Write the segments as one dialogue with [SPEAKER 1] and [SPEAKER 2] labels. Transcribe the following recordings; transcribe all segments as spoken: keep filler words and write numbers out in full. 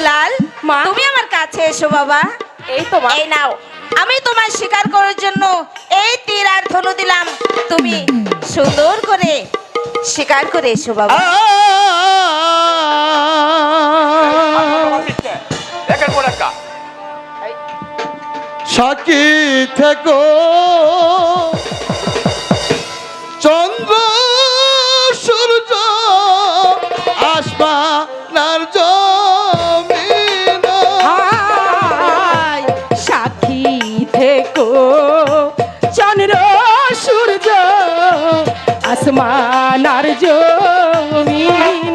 [SPEAKER 1] দুলাল,
[SPEAKER 2] মা।
[SPEAKER 1] তুমি আমার কাছে এসো বাবা।
[SPEAKER 2] এই তো মা।
[SPEAKER 1] এই নাও, আমি তোমার শিকার করার জন্য এই তীর আর ধনু দিলাম, তুমি সুন্দর করে শিকার করে এসো বাবা।
[SPEAKER 3] একের পর একটা
[SPEAKER 4] সাক্ষী থেকো চন্দ্র সূর্য আসমানার জমিন
[SPEAKER 2] হায় সাক্ষী থেকো চন্দ্র সূর্য আসমান আর জমিন।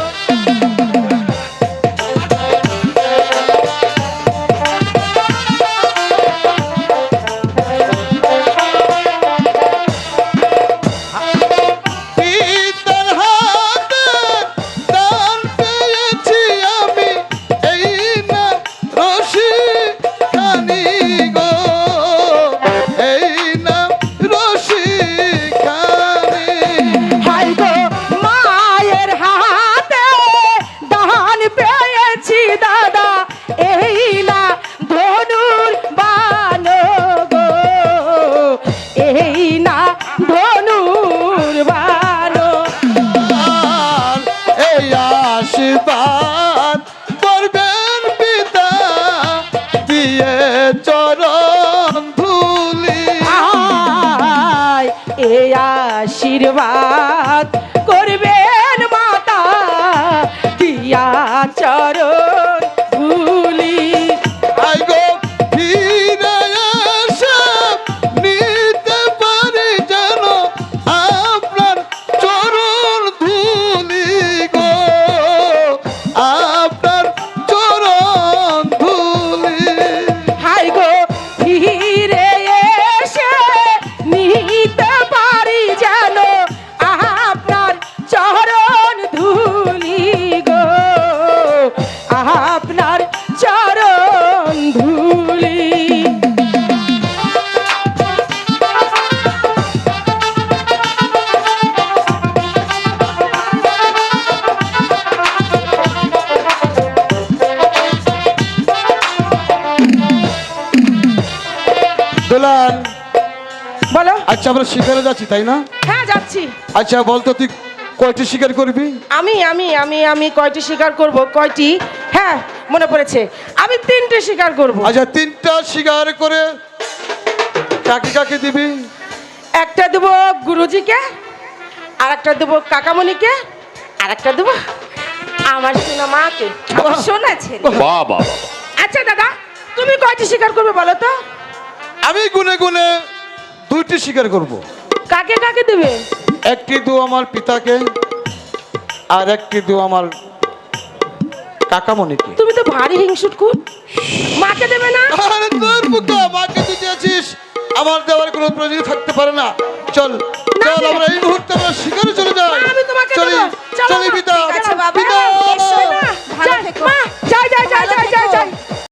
[SPEAKER 4] পিতার হাতে দান পেয়েছি আমি এই না রশি খানি গো এই না রশি খানি
[SPEAKER 2] হায় গো মায়ের হাতে দান পেয়েছি দাদা এই না ধনুর বান গো এই না ধনুর বান।
[SPEAKER 4] আর এই আশীর্বাদ করবেন পিতা দিয়ে চরণ ধুলি
[SPEAKER 2] আয় এই আশীর্বাদ করবেন মাতা দিয়া চরণ ধুলি।
[SPEAKER 4] আই গো ফিরে এসে নিতে পারি যেন আপনার চরণ ধুলি গো আপনার চরণ ধুলি
[SPEAKER 2] হাই গো ফিরে এসে নিতে পারি যেন আপনার চরণ ধুলি গো আপনার চরণ ধুলি।
[SPEAKER 4] দুলাল
[SPEAKER 2] বলো।
[SPEAKER 4] আচ্ছা আমরা শিকারে যাচ্ছি তাই না?
[SPEAKER 2] হ্যাঁ যাচ্ছি।
[SPEAKER 4] আচ্ছা বলতো তুই কয়টি শিকার করবি?
[SPEAKER 2] আমি আমি আমি আমি কয়টি শিকার করব? কয়টি? হ্যাঁ মনে পড়েছে, আমি তিনটে শিকার করব।
[SPEAKER 4] আচ্ছা তিনটা শিকার করে কাকে কাকে দিবি?
[SPEAKER 2] একটা দেবো গুরুজিকে, আর একটা দেবো কাকামণিকে, আর একটা দেবো আমার সোনা মাকে, আমার সোনা ছেলে।
[SPEAKER 3] বাহ বাহ বাহ।
[SPEAKER 2] আচ্ছা দাদা, তুমি কয়টি শিকার করবে বলো তো?
[SPEAKER 4] আমি গুনে গুনে দুইটি শিকার করব।
[SPEAKER 2] কাকে কাকে দেবে?
[SPEAKER 4] একটি দু আমার পিতাকে আর একটি দু আমার কাকামণিকে।
[SPEAKER 2] তুমি তো ভারী হিংসুট খুব, মাকে দেবে না?
[SPEAKER 4] আরে তোর বুকা মাকে তুই দিয়েছিস, আমার দেওয়ার কোনো প্রয়োজন থাকতে পারে না। চল চল
[SPEAKER 2] না,
[SPEAKER 4] আমরা এই মুহূর্তে আমরা শিকারে চলে যাই।
[SPEAKER 2] আমি তোমাকে
[SPEAKER 4] চলি
[SPEAKER 2] দেবো। চলো
[SPEAKER 4] চলি
[SPEAKER 2] না।
[SPEAKER 4] পিতা
[SPEAKER 1] ঠিক আছে বাবা,
[SPEAKER 4] পিতা
[SPEAKER 1] এসো না।